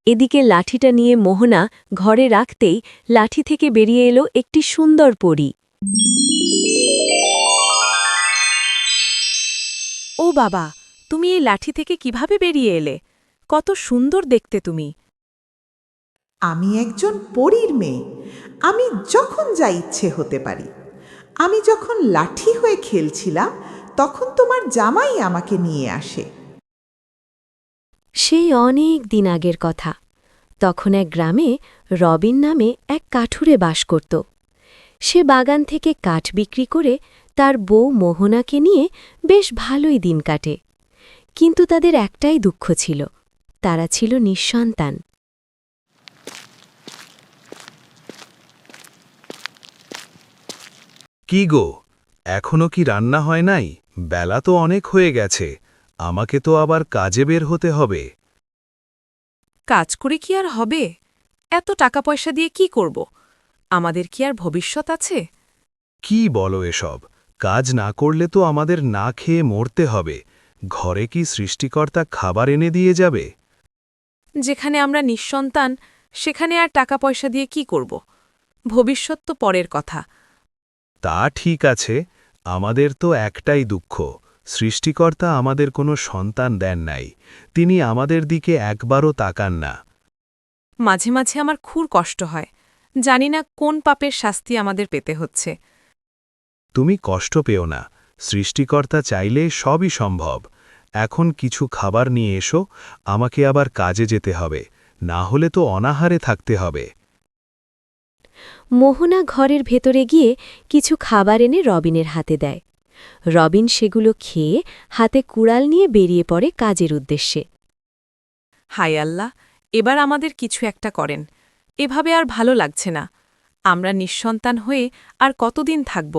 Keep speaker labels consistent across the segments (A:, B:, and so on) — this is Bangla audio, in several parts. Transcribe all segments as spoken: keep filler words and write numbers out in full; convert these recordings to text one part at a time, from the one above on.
A: এদিকে লাঠিটা নিয়ে মোহনা ঘরে রাখতেই লাঠি থেকে বেরিয়ে এলো একটি সুন্দর পরী।
B: ও বাবা, তুমি এই লাঠি থেকে কিভাবে বেরিয়ে এলে? কত সুন্দর দেখতে তুমি।
C: আমি একজন পরীর মেয়ে। আমি যখন যা ইচ্ছে হতে পারি। আমি যখন লাঠি হয়ে খেলছিলাম তখন তোমার জামাই আমাকে নিয়ে আসে।
A: সেই অনেক দিন আগের কথা। তখন এক গ্রামে রবিন নামে এক কাঠুরে বাস করত। সে বাগান থেকে কাঠ বিক্রি করে তার বউ মোহনাকে নিয়ে বেশ ভালোই দিন কাটে। কিন্তু তাদের একটাই দুঃখ ছিল, তারা ছিল নিঃসন্তান।
D: কি গো, এখনো কি রান্না হয় নাই? বেলা তো অনেক হয়ে গেছে, আমাকে তো আবার কাজে বের হতে হবে।
B: কাজ করে কি আর হবে? এত টাকা পয়সা দিয়ে কি করব? আমাদের কি আর ভবিষ্যৎ আছে?
D: কি বলো এসব? কাজ না করলে তো আমাদের না খেয়ে মরতে হবে। ঘরে কি সৃষ্টিকর্তা খাবার এনে দিয়ে যাবে?
B: যেখানে আমরা নিঃসন্তান, সেখানে আর টাকা পয়সা দিয়ে কি করব? ভবিষ্যৎ তো পরের কথা।
D: তা ঠিক আছে, আমাদের তো একটাই দুঃখ, সৃষ্টিকর্তা আমাদের কোনো সন্তান দেন নাই। তিনি আমাদের দিকে একবারও তাকান না।
B: মাঝে মাঝে আমার খুব কষ্ট হয়, জানি না কোন পাপের শাস্তি আমাদের পেতে হচ্ছে।
D: তুমি কষ্ট পেও না, সৃষ্টিকর্তা চাইলে সবই সম্ভব। এখন কিছু খাবার নিয়ে এসো, আমাকে আবার কাজে যেতে হবে, না হলে তো অনাহারে থাকতে হবে।
A: মোহনা ঘরের ভেতরে গিয়ে কিছু খাবার এনে রবিনের হাতে দেয়। রবিন সেগুলো খেয়ে হাতে কুড়াল নিয়ে বেরিয়ে পড়ে কাজের উদ্দেশ্যে।
B: হায় আল্লাহ, এবার আমাদের কিছু একটা করেন। এভাবে আর ভালো লাগছে না। আমরা নিঃসন্তান হয়ে আর কতদিন থাকব?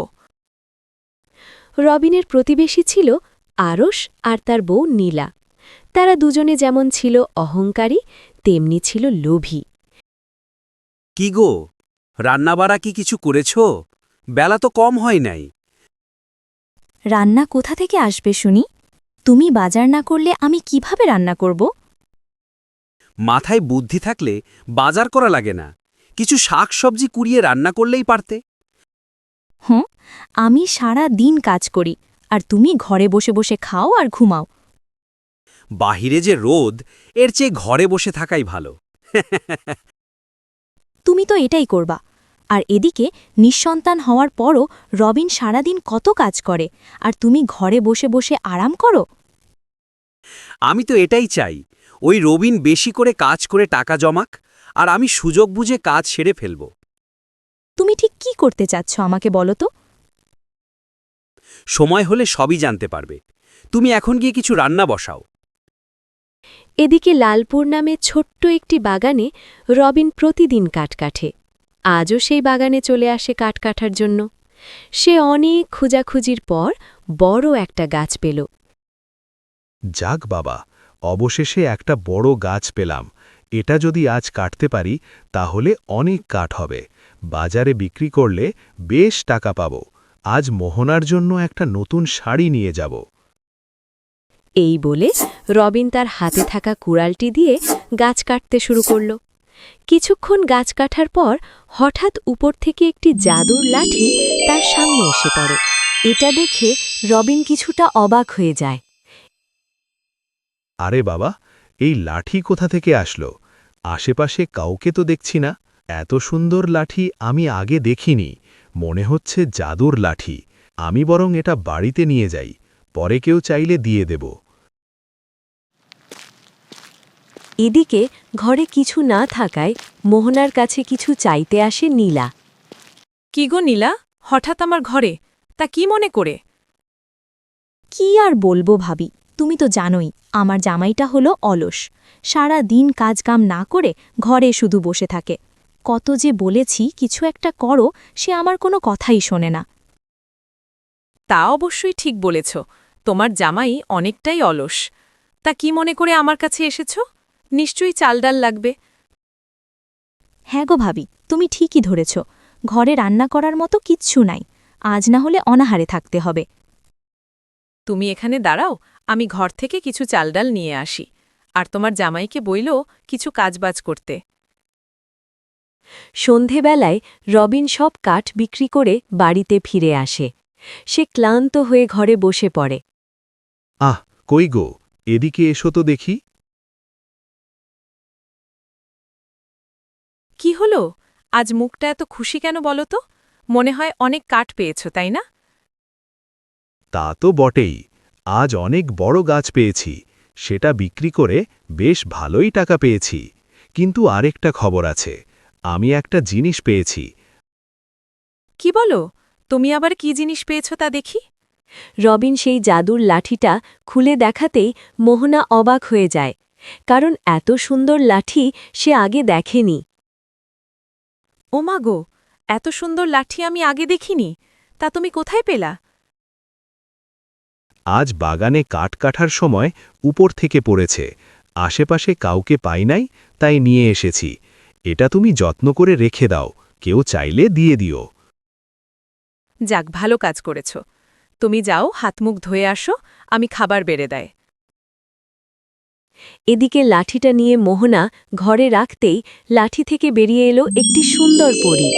A: রবিনের প্রতিবেশী ছিল আরশ আর তার বউ নীলা। তারা দুজনে যেমন ছিল অহংকারী, তেমনি ছিল লোভী।
E: কি গো, রান্নাবাড়া কি কিছু করেছ? বেলা তো কম হয় নাই।
F: রান্না কোথা থেকে আসবে শুনি? তুমি বাজার না করলে আমি কিভাবে রান্না করব?
E: মাথায় বুদ্ধি থাকলে বাজার করা লাগে না, কিছু শাক সবজি কুড়িয়ে রান্না করলেই পারতে।
F: হুঁ, আমি সারা দিন কাজ করি আর তুমি ঘরে বসে বসে খাও আর ঘুমাও।
E: বাহিরে যে রোদ, এর চেয়ে ঘরে বসে থাকাই ভালো।
F: তুমি তো এটাই করবা। আর এদিকে নিঃসন্তান হওয়ার পরও রবিন সারাদিন কত কাজ করে, আর তুমি ঘরে বসে বসে আরাম করো।
E: আমি তো এটাই চাই, ওই রবিন বেশি করে কাজ করে টাকা জমাক, আর আমি সুযোগ বুঝে কাজ সেরে ফেলব।
F: তুমি ঠিক কি করতে চাচ্ছ আমাকে বলো তো?
E: সময় হলে সবই জানতে পারবে। তুমি এখন গিয়ে কিছু রান্না বসাও।
A: এদিকে লালপুর নামে ছোট্ট একটি বাগানে রবিন প্রতিদিন কাঠ কাটে। আজও সেই বাগানে চলে আসে কাঠ কাটার জন্য। সে অনেক খোঁজাখুঁজির পর বড় একটা গাছ পেল।
D: যাক বাবা, অবশেষে একটা বড় গাছ পেলাম। এটা যদি আজ কাটতে পারি তাহলে অনেক কাঠ হবে, বাজারে বিক্রি করলে বেশ টাকা পাব। আজ মোহনার জন্য একটা নতুন শাড়ি নিয়ে যাব।
A: এই বলে রবিন তার হাতে থাকা কুড়ালটি দিয়ে গাছ কাটতে শুরু করল। কিছুক্ষণ গাছ কাটার পর হঠাৎ উপর থেকে একটি জাদুর লাঠি তার সামনে এসে পড়ে। এটা দেখে রবিন কিছুটা অবাক হয়ে যায়।
D: আরে বাবা, এই লাঠি কোথা থেকে আসলো? আশেপাশে কাউকে তো দেখছি না। এত সুন্দর লাঠি আমি আগে দেখিনি, মনে হচ্ছে জাদুর লাঠি। আমি বরং এটা বাড়িতে নিয়ে যাই, পরে কেউ চাইলে দিয়ে দেব।
A: এদিকে ঘরে কিছু না থাকায় মোহনার কাছে কিছু চাইতে আসে নীলা।
B: কি গো নীলা, হঠাৎ আমার ঘরে? তা কি মনে করে?
F: কি আর বলবো ভাবি, তুমি তো জানোই আমার জামাইটা হলো অলস। সারা দিন কাজকাম না করে ঘরে শুধু বসে থাকে। কত যে বলেছি কিছু একটা করো, সে আমার কোনো কথাই শোনে না।
B: তা অবশ্যই ঠিক বলেছ, তোমার জামাই অনেকটাই অলস। তা কি মনে করে আমার কাছে এসেছ? নিশ্চয়ই চালডাল লাগবে।
F: হ্যাঁ গো ভাবি, তুমি ঠিকই ধরেছ। ঘরে রান্না করার মতো কিচ্ছু নাই, আজ না হলে অনাহারে থাকতে হবে।
B: তুমি এখানে দাঁড়াও, আমি ঘর থেকে কিছু চালডাল নিয়ে আসি। আর তোমার জামাইকে বইল কিছু কাজবাজ করতে।
A: সন্ধেবেলায় রবিন সব কাঠ বিক্রি করে বাড়িতে ফিরে আসে। সে ক্লান্ত হয়ে ঘরে বসে পড়ে।
D: আহ কই গো, এদিকে এসো তো দেখি।
B: কি হলো, আজ মুখটা এত খুশি কেন বলো তো? মনে হয় অনেক কাঠ পেয়েছ, তাই না?
D: তা তো বটেই, আজ অনেক বড় গাছ পেয়েছি, সেটা বিক্রি করে বেশ ভালোই টাকা পেয়েছি। কিন্তু আরেকটা খবর আছে, আমি একটা জিনিস পেয়েছি।
B: কি বলো, তুমি আবার কি জিনিস পেয়েছ তা দেখি।
A: রবিন সেই জাদুর লাঠিটা খুলে দেখাতেই মোহনা অবাক হয়ে যায়, কারণ এত সুন্দর লাঠি সে আগে দেখেনি।
B: ওমা গো, এত সুন্দর লাঠি আমি আগে দেখিনি, তা তুমি কোথায় পেলা?
D: আজ বাগানে কাঠ কাটার সময় উপর থেকে পড়েছে, আশেপাশে কাউকে পাই নাই, তাই নিয়ে এসেছি। এটা তুমি যত্ন করে রেখে দাও, কেউ চাইলে দিয়ে দিও।
B: যাক, ভালো কাজ করেছ। তুমি যাও, হাতমুখ ধুয়ে আসো, আমি খাবার বেড়ে দেয়।
A: এদিকে লাঠিটা নিয়ে মোহনা ঘরে রাখতেই লাঠি থেকে বেরিয়ে এলো একটি সুন্দর পরী।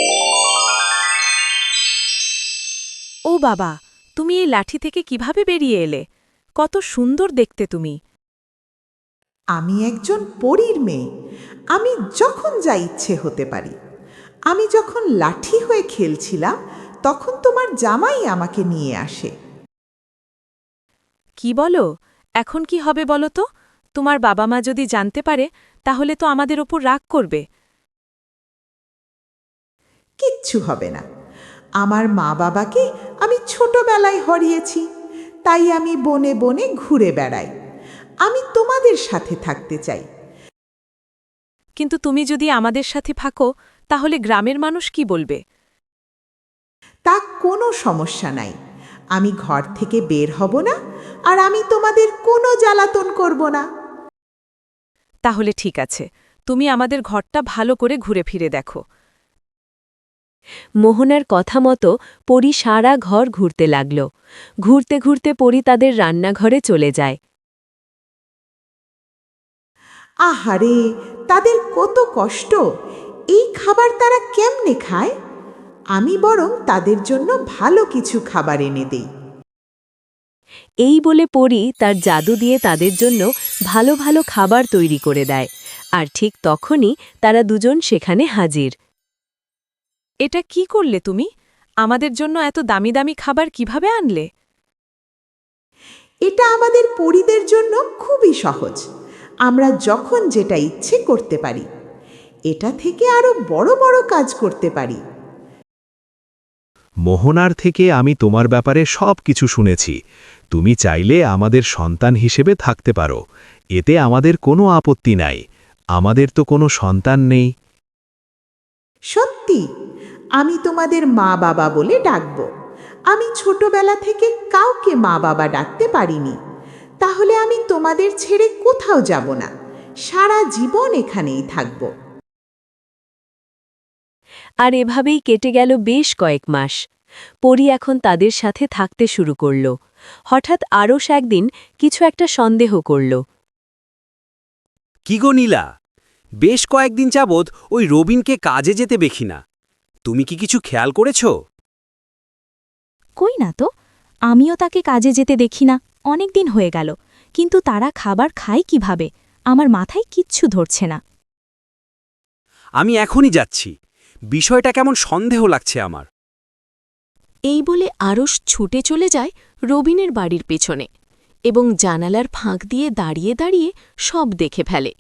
B: ও বাবা, তুমি এই লাঠি থেকে কিভাবে বেরিয়ে এলে? কত সুন্দর দেখতে তুমি।
C: আমি একজন পরীর মেয়ে। আমি যখন যা ইচ্ছে হতে পারি। আমি যখন লাঠি হয়ে খেলছিলাম তখন তোমার জামাই আমাকে নিয়ে আসে।
B: কি বলো, এখন কি হবে বলো তো? তোমার বাবা মা যদি জানতে পারে তাহলে তো আমাদের ওপর রাগ করবে।
C: কিচ্ছু হবে না। আমার মা বাবাকে আমি ছোটবেলায় হারিয়েছি, তাই আমি বনে বনে ঘুরে বেড়াই। আমি তোমাদের সাথে থাকতে চাই।
B: কিন্তু তুমি যদি আমাদের সাথে থাকো তাহলে গ্রামের মানুষ কি বলবে?
C: তা কোনো সমস্যা নাই। আমি ঘর থেকে বের হব না, আর আমি তোমাদের কোনো জ্বালাতন করব না।
B: তাহলে ঠিক আছে, তুমি আমাদের ঘরটা ভালো করে ঘুরে ফিরে দেখো।
A: মোহনার কথা মতো পরী সারা ঘর ঘুরতে লাগল। ঘুরতে ঘুরতে পরী তাদের রান্নাঘরে চলে যায়।
C: আহারে, তাদের কত কষ্ট! এই খাবার তারা কেমনে খায়? আমি বরং তাদের জন্য ভালো কিছু খাবার এনে দেই।
A: এই বলে পরী তার জাদু দিয়ে তাদের জন্য ভালো ভালো খাবার তৈরি করে দেয়, আর ঠিক তখনই তারা দুজন সেখানে হাজির।
B: এটা কি করলে তুমি? আমাদের জন্য এত দামি দামি খাবার কিভাবে আনলে?
C: এটা আমাদের পরীদের জন্য খুবই সহজ। আমরা যখন যেটা ইচ্ছে করতে পারি। এটা থেকে আরো বড় বড় কাজ করতে পারি।
D: মোহনার থেকে আমি তোমার ব্যাপারে সব কিছু শুনেছি। তুমি চাইলে আমাদের সন্তান হিসেবে থাকতে পারো, এতে আমাদের কোনো আপত্তি নাই। আমাদের তো কোনো সন্তান নেই।
C: সত্যি, আমি তোমাদের মা বাবা বলে ডাকব। আমি ছোটবেলা থেকে কাউকে মা বাবা ডাকতে পারিনি। তাহলে আমি তোমাদের ছেড়ে কোথাও যাব না, সারা জীবন এখানেই থাকব।
A: আর এভাবেই কেটে গেল বেশ কয়েক মাস। পরী এখন তাদের সাথে থাকতে শুরু করল। হঠাৎ আরশ একদিন কিছু একটা সন্দেহ করল।
E: কি গো নীলা, বেশ কয়েকদিন যাবৎ ওই রবিনকে কাজে যেতে দেখি না। তুমি কি কিছু খেয়াল করেছ?
F: কই না তো, আমিও তাকে কাজে যেতে দেখি না, অনেক দিন হয়ে গেল। কিন্তু তারা খাবার খায় কিভাবে, আমার মাথায় কিচ্ছু ধরছে না।
E: আমি এখনই যাচ্ছি, বিষয়টা কেমন সন্দেহ লাগছে আমার।
A: এই বলে আরশ ছুটে চলে যায় রবিনের বাড়ির পেছনে এবং জানালার ফাঁক দিয়ে দাঁড়িয়ে দাঁড়িয়ে সব দেখে ফেলে।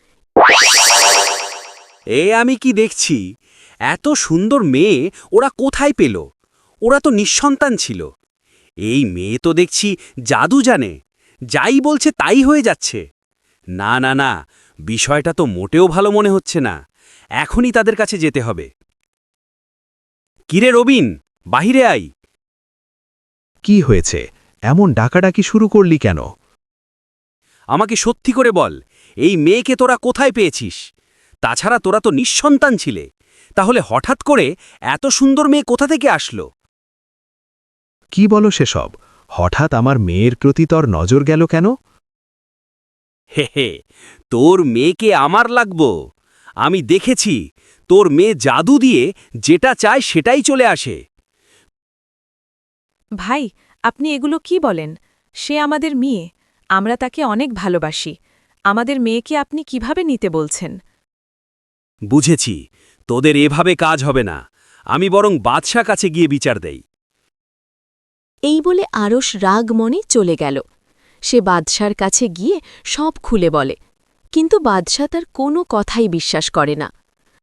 E: এ আমি কি দেখছি, এত সুন্দর মেয়ে ওরা কোথায় পেল? ওরা তো নিঃসন্তান ছিল। এই মেয়ে তো দেখছি জাদু জানে, যাই বলছে তাই হয়ে যাচ্ছে। না না না, বিষয়টা তো মোটেও ভালো মনে হচ্ছে না। এখনই তাদের কাছে যেতে হবে। কিরে রবিন, বাহিরে আই।
D: কি হয়েছে, এমন ডাকাডাকি শুরু করলি কেন?
E: আমাকে সত্যি করে বল, এই মেয়েকে তোরা কোথায় পেয়েছিস? তাছাড়া তোরা তো নিঃসন্তান ছিলে, তাহলে হঠাৎ করে এত সুন্দর মেয়ে কোথা থেকে আসলো?
D: কি বলো সেসব? হঠাৎ আমার মেয়ের প্রতি তোর নজর গেল কেন?
E: হে হে তোর মেয়েকে আমার লাগবো। আমি দেখেছি তোর মেয়ে জাদু দিয়ে যেটা চায় সেটাই চলে আসে।
B: ভাই আপনি এগুলো কি বলেন? সে আমাদের মেয়ে, আমরা তাকে অনেক ভালোবাসি। আমাদের মেয়েকে আপনি কিভাবে নিতে বলছেন?
E: বুঝেছি, তোদের এভাবে কাজ হবে না। আমি বরং বাদশা কাছে গিয়ে বিচার দেই।
A: এই বলে আরস রাগ মনে চলে গেল। সে বাদশার কাছে গিয়ে সব খুলে বলে, কিন্তু বাদশা তার কোনো কথাই বিশ্বাস করে না।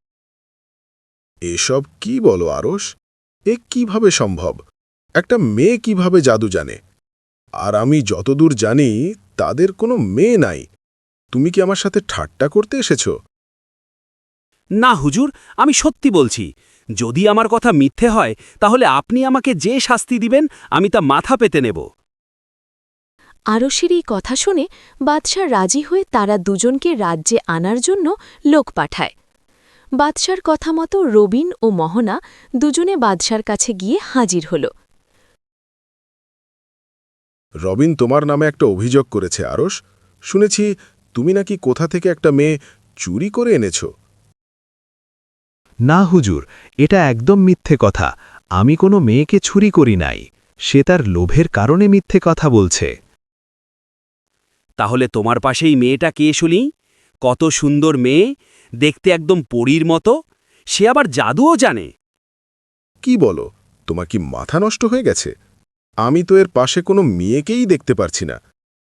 G: এসব কি বলো আরস? এ কিভাবে সম্ভব? একটা মেয়ে কিভাবে জাদু জানে? আর আমি যতদূর জানি তাদের কোনো মেয়ে নাই। তুমি কি আমার সাথে ঠাট্টা করতে এসেছো?
E: না হুজুর, আমি সত্যি বলছি। যদি আমার কথা মিথ্যে হয় তাহলে আপনি আমাকে যে শাস্তি দিবেন আমি তা মাথা পেতে নেব।
A: আরসের এই কথা শুনে বাদশা রাজি হয়ে তারা দুজনকে রাজ্যে আনার জন্য লোক পাঠায়। বাদশার কথা মতো রবিন ও মোহনা দুজনে বাদশার কাছে গিয়ে হাজির হল।
G: রবিন তোমার নামে একটা অভিযোগ করেছে আরস। শুনেছি তুমি নাকি কোথা থেকে একটা মেয়ে চুরি করে এনেছো।
D: না হুজুর, এটা একদম মিথ্যে কথা। আমি কোনো মেয়েকে চুরি করি নাই। সে তার লোভের কারণে মিথ্যে কথা বলছে।
E: তাহলে তোমার পাশেই মেয়েটা কে শুনি? কত সুন্দর মেয়ে, দেখতে একদম পরীর মতো। সে আবার জাদুও জানে।
G: কি বলো, তোমার কি মাথা নষ্ট হয়ে গেছে? আমি তো এর পাশে কোনো মেয়েকেই দেখতে পারছি না।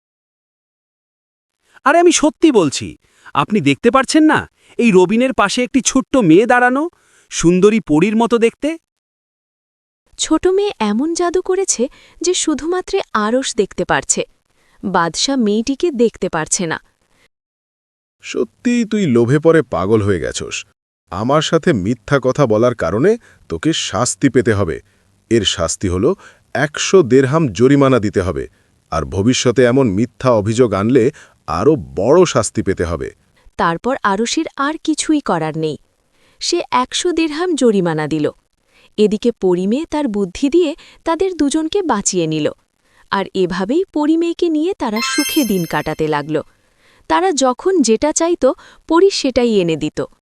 E: আরে আমি সত্যি বলছি, আপনি দেখতে পারছেন না? এই রবিনের পাশে একটি ছোট্ট মেয়ে দাঁড়ানো, সুন্দরী পরীর মতো দেখতে।
A: ছোট মেয়ে এমন জাদু করেছে যে শুধুমাত্র আরস দেখতে পারছে। বাদশা মেয়েটিকে দেখতে পারছে না।
G: সত্যিই তুই লোভে পড়ে পাগল হয়ে গেছস। আমার সাথে মিথ্যা কথা বলার কারণে তোকে শাস্তি পেতে হবে। এর শাস্তি হল একশো দেরহাম জরিমানা দিতে হবে, আর ভবিষ্যতে এমন মিথ্যা অভিযোগ আনলে আরও বড় শাস্তি পেতে হবে।
A: তারপর আরসের আর কিছুই করার নেই। সে একশো দেড়হাম জরিমানা দিল। এদিকে পরিমেয়ে তার বুদ্ধি দিয়ে তাদের দুজনকে বাঁচিয়ে নিল। আর এভাবেই পরিমেয়েকে নিয়ে তারা সুখে দিন কাটাতে লাগল। তারা যখন যেটা চাইত পরি সেটাই এনে দিত।